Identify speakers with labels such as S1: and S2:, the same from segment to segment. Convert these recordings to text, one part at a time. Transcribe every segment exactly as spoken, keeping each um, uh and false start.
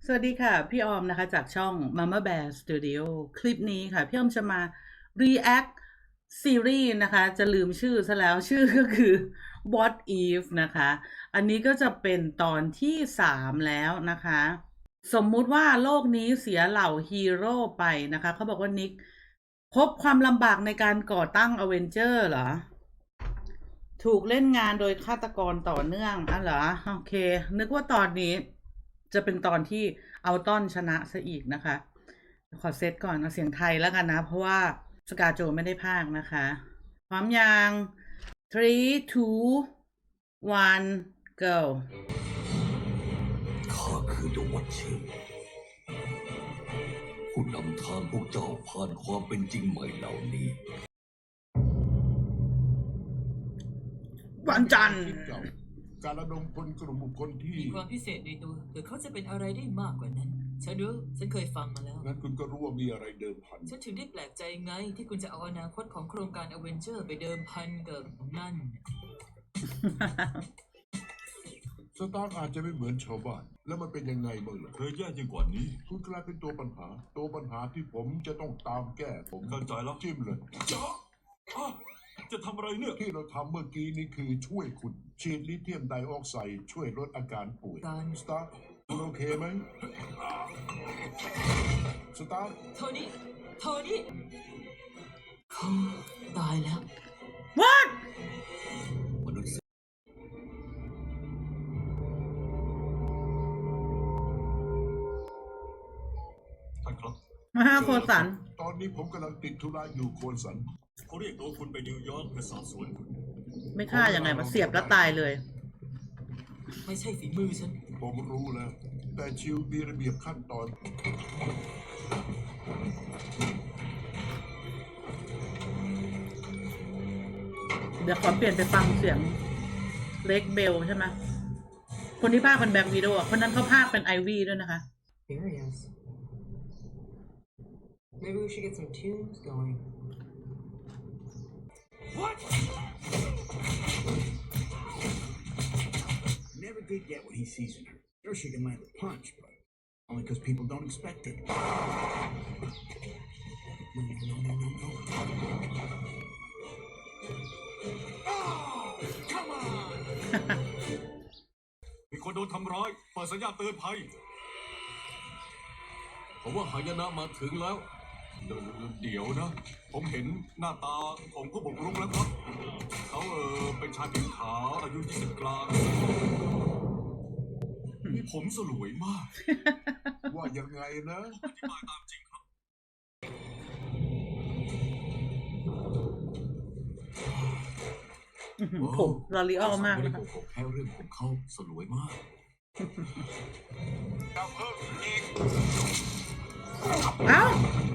S1: สวัสดีค่ะพี่ออมนะคะจากช่อง Mama Bear Studio คลิปนี้ค่ะพี่ออมจะมา react ซีรีส์นะคะจะลืมชื่อซะแล้วชื่อก็คือ What If นะคะอันนี้ก็จะเป็นตอนที่สามแล้วนะคะสมมุติว่าโลกนี้เสียเหล่าฮีโร่ไปนะคะเขาบอกว่านิกพบความลำบากในการก่อตั้งอเวนเจอร์เหรอถูกเล่นงานโดยฆาตกรต่อเนื่องอ่ะเหรอโอเคนึกว่าตอนนี้จะเป็นตอนที่เอาต้อนชนะซะอีกนะคะขอเซตก่อนเอาเสียงไทยแล้วกันนะเพราะว่าสกาโจไม่ได้พากย์นะคะพร้อมยังthree two one go
S2: ข้าคือดวัชเชนผู้นำทางพวกเจ้าผ่านความเป็นจริงใหม่เหล่านี้
S1: วันจันทร์
S3: การระดมพลกลุ่มบุคคลที่
S4: มีความพิเศษในตัวแต่เขาจะเป็นอะไรได้มากกว่านั้น ฉันรู้ ฉันเคยฟังมาแล้ว
S3: งั้นคุณก็รู้ว่ามีอะไรเดิมพัน
S4: ฉันถึงได้แปลกใจไงที่คุณจะเอาอนาคตของโครงการอเวนเจอร์ไปเดิมพันกับนั่น
S3: สตาร์กอาจจะไม่เหมือนชาวบ้าน แล้วมันเป็นยังไงบ้างล่ะ
S2: เคยแย่ยิ่งกว่านี้
S3: คุณกลายเป็นตัวปัญหา ตัวปัญหาที่ผมจะต้องตามแก้ผม
S2: เข้าใจแล้ว
S3: จิ้มเลย
S2: จ๊ะอ่ะจะทำอะไรเนี่ย
S3: ที่เราทำเมื่อกี้นี่คือช่วยคุณ ฉีดลิเธียมไดออกไซด์ช่วยลดอาการป่วย
S4: การ
S3: สตาร์กคุณโอเคไหมสตาร์ก
S4: โทนี่ โทนี่เขาตายแล้ว
S1: What
S2: มนุษย์ ท่านครับ
S1: มหาโคสัน
S3: ตอนนี้ผมกำลังติดธุระอยู่โคนสัน
S2: เขาเรียกตัวคุณไปนิวยอร์กเพื่อสอบสวนคุณ
S1: ไม่ฆ่ายังไงมาเสียบแล้วตายเลย
S4: ไม่ใช่ฝีมือฉัน
S3: ผมรู้แล้ว แต่ชิวมีระเบียบขั้นตอน
S1: เดี๋ยวขอเปลี่ยนไปฟังเสียงเล็กเบลใช่ไหมคนที่ภาคเป็นแบ็ควีโดอ่ะคนนั้นเขาภาคเป็นไอวี่ด้วยนะคะ
S4: Here he is. Maybe we should get some tunes going.
S2: What
S5: Never did get what he sees in her. Sure, she can land a punch, but only because people don't expect it. No, no, no, no, no. Oh, come on!
S2: มีคนโดนทำร้ายเปิดสัญญาณเตือนภัยผมว่าหายนะมาถึงแล้ว เดี๋ยวเดี๋ยวนะ ผมเห็นหน้าตาของผู้บุกรุกแล้วครับ เขาเออเป็นชายผิวขาวอายุยี่สิบกลางมีผมสลวยมาก
S3: ว่ายังไงนะ
S2: อธิบายตามจริงครับ
S1: ผมลอรีออลมาก
S2: ไม่
S1: เล
S2: ได้
S1: ย
S2: โก
S1: ค่ะ
S2: หกแค่เรื่องของเขาสลวยมาก
S1: เอ้า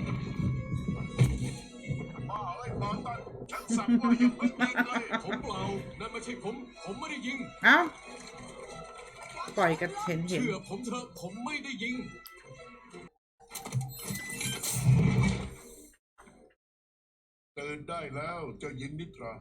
S3: บ้าเอ้ยบอลตันฉันสั่งว่าอย่าเพิ่งยิงเลย
S2: ผมเปล่านั่นไม่ใช่ผม ผมไม่ได้ยิง
S1: เอ้า ปล่อยกันเห็นเห็น
S2: เชื่อผมเถอะผมไม่ได้ยิง
S3: ตื่นได้แล้วเจ้าหญิงนิทรา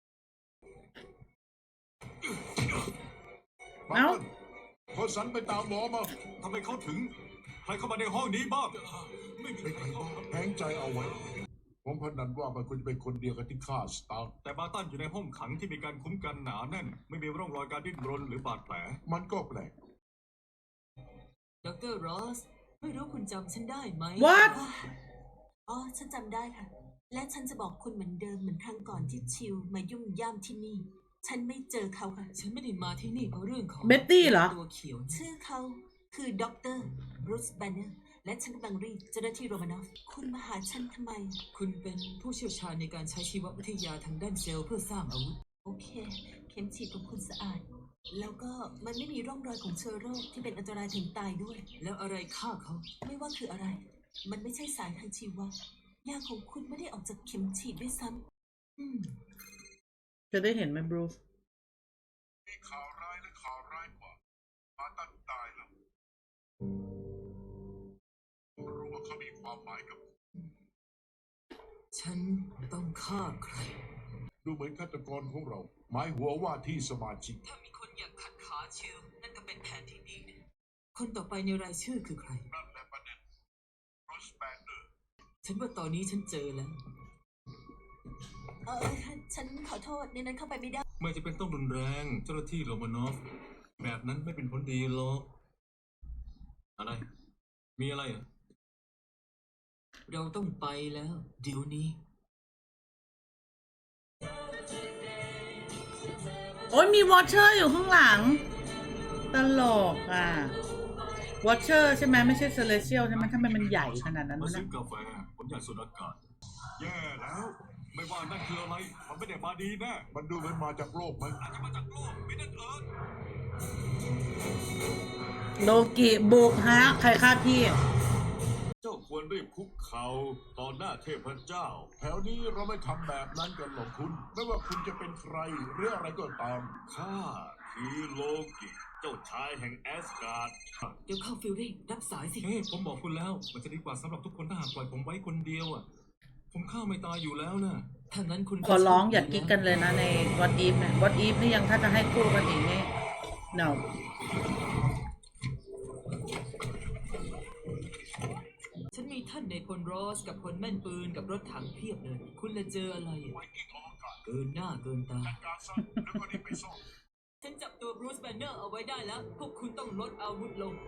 S1: เอ้า
S3: โคนสันไปตามหมอมา
S2: ทำไมเขาถึง ใครเข้ามาในห้องนี้บ้าง ไม่มี
S3: ไม่
S2: ใค
S3: ใค
S2: ร
S3: ร
S2: เข้า
S3: แห้งใจเอาไว้ ผมพนันว่ามันควรจะเป็นคนเดียวกับที่ฆ่าสตาร์
S2: แต่บาตันอยู่ในห้องขังที่มีการคุ้มกันหนาแน่น ไม่มีร่องรอยการดิ้นรนหรือบาดแผล
S3: มันก็แปลก
S4: ดรรอส ไม่รู้คุณจำฉันได้ไหม
S1: What
S6: อ๋อ ฉันจำได้ค่ะ และฉันจะบอกคุณเหมือนเดิมเหมือนครั้งก่อนที่ชิวมายุ่งย่ามที่นี่ ฉันไม่เจอเขาค่ะ
S4: ฉันไม่ได้มาที่นี่เพราะเรื่องของ
S1: เบ็ตตี้เหรอ
S4: ตัวเขียวนะ
S6: ชื่อเขาคือด็อกเตอร์บรูซแบนเนอร์และฉันกำลังรีดเจ้าหน้าที่โรมานอฟ คุณมาหาฉันทำไม
S4: คุณเป็นผู้เชี่ยวชาญในการใช้ชีววิทยาทางด้านเซลล์เพื่อสร้างอาวุธ
S6: โอเค เข็มฉีดของคุณสะอาด แล้วก็มันไม่มีร่องรอยของเชื้อโรคที่เป็นอันตรายถึงตายด้วย
S4: แล้วอะไรฆ่าเขา
S6: ไม่ว่าคืออะไร มันไม่ใช่สารทางชีวะยาของคุณไม่ได้ออกจากเข็มฉีดด้วยซ้ำอืม
S1: จะได้เห็นไหมบรูซ
S3: มีข่าวร้ายและข่าวร้ายกว่ามาตันตายแล้วผมรู้ว่าเขามีความหมายกับผม
S4: ฉันต้องฆ่าใคร
S3: ดูเหมือนฆาตกรของเรา หมายหัวว่าที่สมาชิก
S4: ถ้ามีคนอยากขัดขาชิวนั่นก็เป็นแผนที่ดีนะคนต่อไปในรายชื่อคือใคร
S3: นั่นแหละประเด็นโรสแบนเดอร์
S4: ฉันว่าตอนนี้ฉันเจอแล้ว
S6: เออฉันขอโทษในนั้นเข้าไปไม่ได้
S2: ไม่จะเป็นต้องรุนแรงเจ้าหน้าที่โรมานอฟ แบบนั้นไม่เป็นผลดีหรอก อะไร มีอะไรเหรอ
S4: เราต้องไปแล้วเดี๋ยวนี้
S1: โอ้ยมีวอชเชอร์อยู่ข้างหลัง ตลกอ่ะวอชเชอร์ใช่ไหมไม่ใช่เซเลเชียลใช่ไหมทำไมมันใหญ่ขนาดนั้น
S2: มา
S1: วะ
S2: ซื้
S1: นะ
S2: อกาแฟผมอยากสูดอากาศ แย่แล้ว ไม่ว่านั่นคืออะไร มันไม่ได้มาดีแน่
S3: มันดูเหมือนมาจากโลกไหม
S2: อาจจะมาจากโลกมิดเดิลเอิร์ธ
S1: โลกิบุกฮะ ใครฆ่าพี่
S2: เจ้าควรรีบคุกเข่าต่อหน้าเทพเจ้า
S3: แถวนี้เราไม่ทำแบบนั้นกันหรอกคุณ ไม่ว่าคุณจะเป็นใครหรืออะไรก็ตาม
S2: ข้าคือโลกิ เจ้าชายแห่งแอสการ์ด
S4: เดี๋ยวเข้าฟิลลิ่งรับสายสิ
S2: เฮ้ยผมบอกคุณแล้ว มันจะดีกว่าสำหรับทุกคนถ้าหากปล่อยผมไว้คนเดียวอ่ะ ผมฆ่าไม่ตายอยู่แล้วนะ
S4: ถ้างั้นคุณ
S1: ขอร้องอย่ากิ๊กกันเลยนะในวอตอีฟเนี่ยวอตอีฟนี่ยังถ้าจะให้คู่กันอีกนี่ no
S4: ฉันมีท่านในพลรอสกับคนแม่นปืนกับรถถังเพียบเลย คุณละเจออะไรอะเกินหน้าเกินตา
S3: การซ่อมแล้วก็รีบไปซ่อม
S4: ฉันจับตัวบรูซแบนเนอร์เอาไว้ได้แล้ว พวกคุณต้องลดอาวุธลง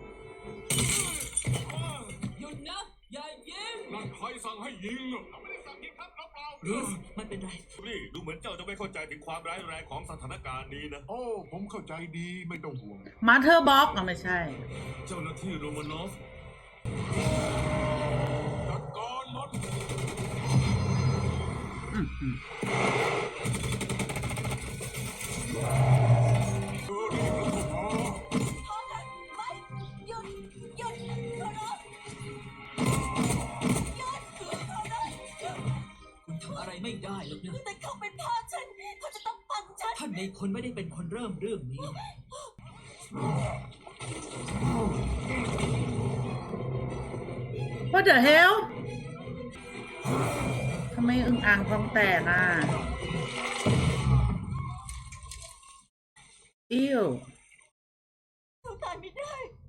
S4: หยุดนะ อย่ายิง
S2: นั่นใครสั่งให้ยิง
S4: บรูซไม่เป็นไร
S2: นี่ดูเหมือนเจ้าจะไม่เข้าใจถึงความร้ายแรงของสถานการณ์นี้นะ
S3: โอ้ ผมเข้าใจดีไม่ต้องห่วง
S1: มาเธอร์บ็อกอ่ะไม่ใช่
S2: เจ้าหน้าที่โรมานอฟ จัดการมัน
S1: อืมอืม
S2: เออนี่ก็พอ
S6: โทษนะไม่หยุดหยุดโทษนะหยุดโทษนะหยุด
S4: คุณทำอะไรไม่ได้หรอกนะ
S6: แต่เขาเป็นพ่อฉัน เขาจะต้องฟังฉัน
S4: ท่านในคนไม่ได้เป็นคนเริ่มเรื่องนี้
S1: What the hell ทำไมอึ่งอ่างท้องแตกอ่ะ อิ้ว
S6: เขาตายไม่ได้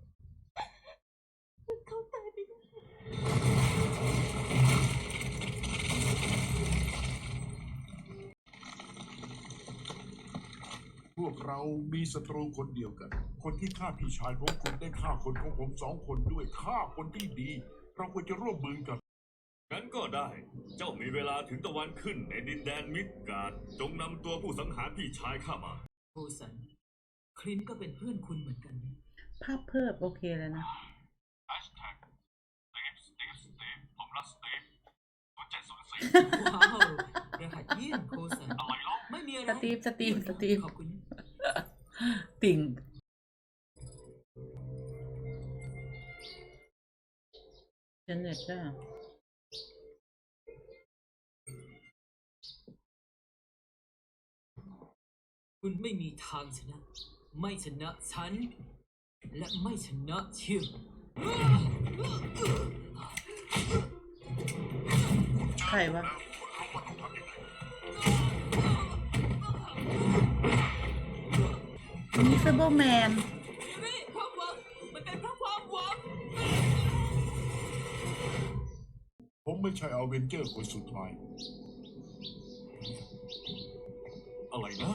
S6: เขาตายไม่ได้
S3: พวกเรามีศัตรูคนเดียวกัน คนที่ฆ่าพี่ชายของคุณได้ฆ่าคนของผมสองคนด้วยฆ่าคนที่ดี เราควรจะร่วมมือกัน
S2: งั้นก็ได้ เจ้ามีเวลาถึงตะวันขึ้นในดินแดนมิดการ์ดจงนำตัวผู้สังหารพี่ชายข้ามา
S4: โอสัน คลินก็เป็นเพื่อนคุณเหมือนกันนะ
S1: ภาพเพิ่มโอเคเลยนะ
S2: Hashtag Steve Steve Steve ผมรัก Steve ศูนย์เจ็ดศูนย์สี่
S4: ว้าวรหัสเยี่ยมโคสัน
S2: อะไรหรอ
S4: ไม่มีอะไร
S1: สตีฟสตีฟสตีฟ
S4: ขอบคุณ
S1: ติ่ง เจเน็ตจ้ะ
S4: คุณไม่มีทางชนะ ไม่ชนะฉัน และไม่ชนะเชียว
S1: ใครวะมิสเตอร์แมน
S4: นี่ความหวังมันเป็นเพราะความหวัง
S3: ผมไม่ใช่อเวนเจอร์คนสุดท้าย
S2: อะไรนะ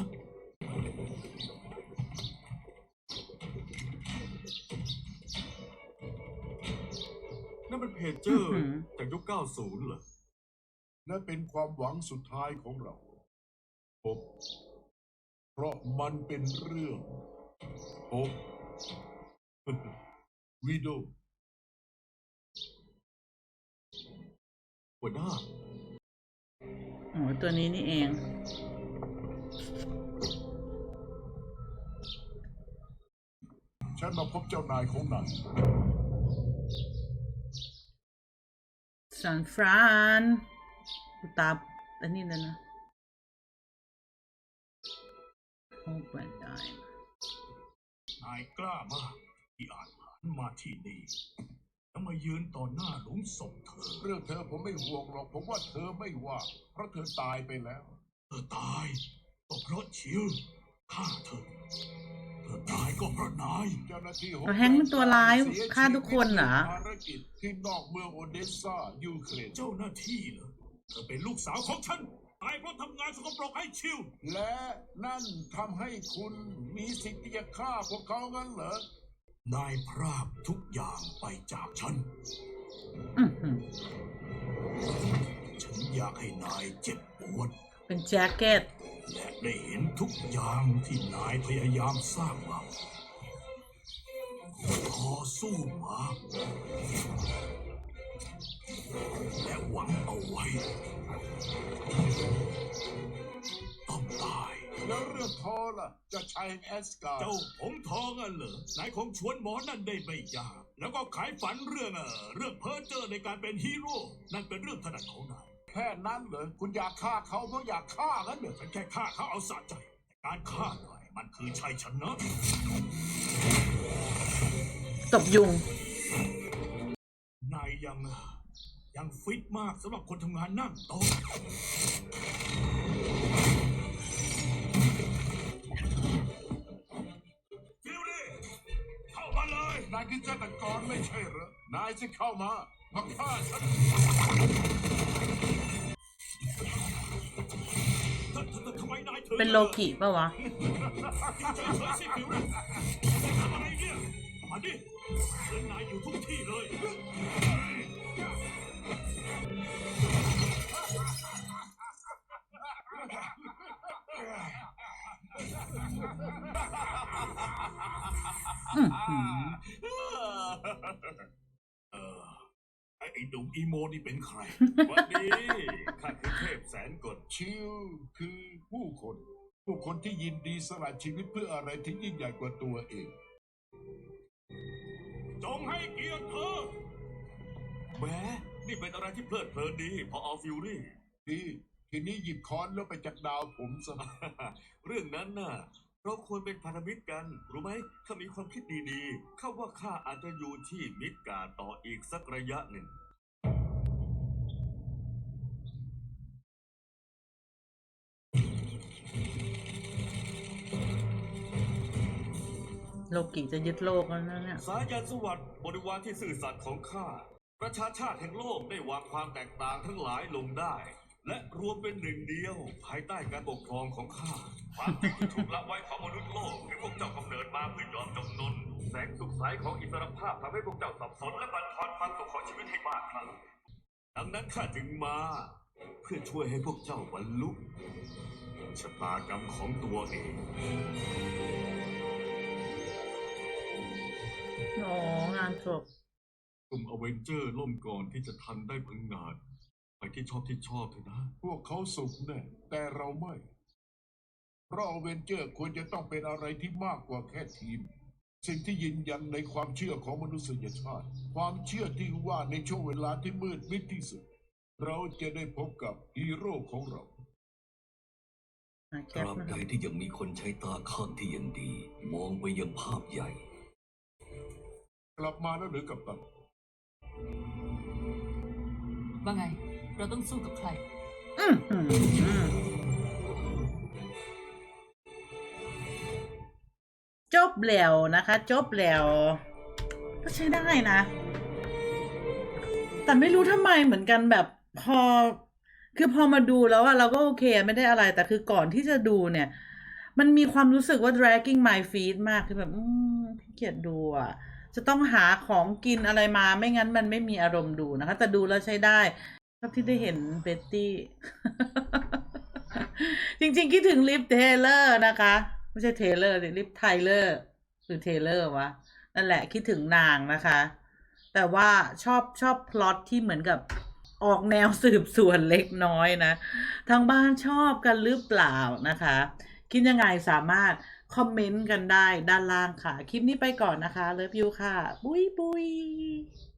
S2: นั่นเป็นเพจเจอร์
S1: อื้อหือ
S2: จากยุคเก้าสิบเหรอ
S3: และเป็นความหวังสุดท้ายของเราผมเพราะมันเป็นเรื่องผม วิโด
S2: หัวหน้า
S1: โอ้ตัวนี้นี่เอง
S3: ฉันมาพบเจ้านายของนาย
S1: ซานฟรานกูตาอันนี้เลยนะโอ้แบรนด์ได้
S3: นายกล้ามากที่อาจผ่านมาที่นี่แล้วมายืนต่อหน้าหลุมศพเธอ เรื่องเธอผมไม่ห่วงหรอก ผมว่าเธอไม่ว่า เพราะเธอตายไปแล้ว เธอตายก็เพราะชิวฆ่าเธอ เธนายก็เพราะนาย
S5: เจ้าหน้าที่
S1: เอาแฮงค์เป็นตัวร้ายฆ่าทุกคนเหรอ
S5: ภารกิจที่นอกเมืองโอเดสซายูเครน
S3: เจ้าหน้าที่เหรอเธอเป็นลูกสาวของฉันตายเพราะทำงานสกปรกให้ชิว
S5: และนั่นทำให้คุณมีสิทธิ์ที่จะฆ่าพวกเขางั้นเหรอ
S3: นายพรากทุกอย่างไปจากฉัน
S1: อื้อหือ
S3: ฉันอยากให้นายเจ็บปวด
S1: เป็นแจ็คเก็ต
S3: และได้เห็นทุกอย่างที่นายพยายามสร้างมาต่อสู้มาและหวังเอาไว้ ต้องตาย
S5: แล้วเรื่องทอล่ะจะใช้แอสการ์ด
S3: เจ้าผมทองอ่ะเหรอนายคงชวนหมอนั่นได้ไม่ยาก แล้วก็ขายฝันเรื่องเออเรื่องเพ้อเจ้อในการเป็นฮีโร่ นั่นเป็นเรื่องถนัดของนาย
S5: แค่นั้นเหรอคุณอยากฆ่าเขาเพราะอยากฆ่างั้นเหรอ
S3: ฉันแค่ฆ่าเขาเอาสะใจแต่การฆ่านายมันคือชัยชนะ
S1: ตบยุง
S3: นายยังยังฟิตมากสำหรับคนทำงานนั่งโต๊ะฟิวลี่เข้ามาเลย
S5: นายคือเจ้าตะกรไม่ใช่เหรอนายจะเข้ามามาฆ่าฉัน
S3: ทำทำทำไมนายถึง
S1: เป็นโลกิปะวะ
S3: เฉยๆสิฟิวลี่ทำอะไรเนี่ยมาดิเดินนายอยู่ทุกที่เลย
S1: อื้อหือ
S3: เออไอ้ไอ้หนุ่มอีโมนี่เป็นใคร
S2: วันนี้ข้าคือเทพแสนกล
S5: ชิลคือผู้คน ผู้คนที่ยินดีสละชีวิตเพื่ออะไรที่ยิ่งใหญ่กว่าตัวเอง
S3: จงให้เกียรติเธอ
S2: แหมนี่เป็นอะไรที่เพลิดเพลินดี พอเอาฟิวรี่
S5: ดีทีนี้หยิบค้อนแล้วไปจัดดาวผมซะ
S2: เรื่องนั้นน่ะ เราควรเป็นพันธมิตรกัน รู้ไหมข้ามีความคิดดีๆข้าว่าข้าอาจจะอยู่ที่มิดการ์ดต่ออีกสักระยะหนึ่ง
S1: โลกิจะยึดโลกแล้วนะเนี่ย
S2: สายันสวัสดิ์บริวารที่ซื่อสัตย์ของข้า ประชาชาติแห่งโลกได้วางความแตกต่างทั้งหลายลงได้ และรวมเป็นหนึ่งเดียว ภายใต้การปกครองของข้า ความจริงที่ถูกละไว้ของมนุษย์โลกคือพวกเจ้ากำเนิดมาเพื่อยอมจำนน แสงสุขใสของอิสรภาพทำให้พวกเจ้าสับสนและบั่นทอนความสุขของชีวิตให้มากขึ้นดังนั้นข้าจึงมา เพื่อช่วยให้พวกเจ้าบรรลุชะตากรรมของตัวเอง
S1: อ๋องานจบ
S2: กลุ่มอเวนเจอร์ล่มก่อนที่จะทันได้พังงาดไปที่ชอบที่ชอบเถอะนะ
S5: พวกเขาสุขแน่แต่เราไม่ เพราะอเวนเจอร์ควรจะต้องเป็นอะไรที่มากกว่าแค่ทีม สิ่งที่ยืนยันในความเชื่อของมนุษยชาติ ความเชื่อที่ว่าในช่วงเวลาที่มืดมิดที่สุด เราจะได้พบกับฮีโร่ของเรา
S1: อ่ะ
S7: ต
S1: แก๊ป
S7: ราบ
S1: นะ
S7: ใด
S1: ครับ
S7: ที่ยังมีคนใช้ตาข้างที่ยังดี มองไปยังภาพใหญ่
S5: กลับมาแล้วหรือกับตัน
S4: ว่าไง เราต้องสู้กับใคร
S1: อื้อหือจบแล้วนะคะ จบแล้วก็ใช้ได้นะ แต่ไม่รู้ทำไมเหมือนกันแบบพอ คือพอมาดูแล้วอะเราก็โอเคไม่ได้อะไร แต่คือก่อนที่จะดูเนี่ย มันมีความรู้สึกว่า dragging my feet มากคือแบบ อืมขี้เกียจดูอะจะต้องหาของกินอะไรมาไม่งั้นมันไม่มีอารมณ์ดูนะคะ แต่ดูแล้วใช้ได้ชอบที่ได้เห็นเบตตี้ จริงๆคิดถึงลิฟเทเลอร์นะคะ ไม่ใช่เทเลอร์สิลิฟไทเลอร์หรือเทเลอร์วะ นั่นแหละคิดถึงนางนะคะ แต่ว่าชอบชอบพล็อตที่เหมือนกับออกแนวสืบสวนเล็กน้อยนะ ทางบ้านชอบกันหรือเปล่านะคะ คิดยังไงสามารถคอมเมนต์กันได้ด้านล่างค่ะ คลิปนี้ไปก่อนนะคะ เลิฟยูค่ะ บุยบุย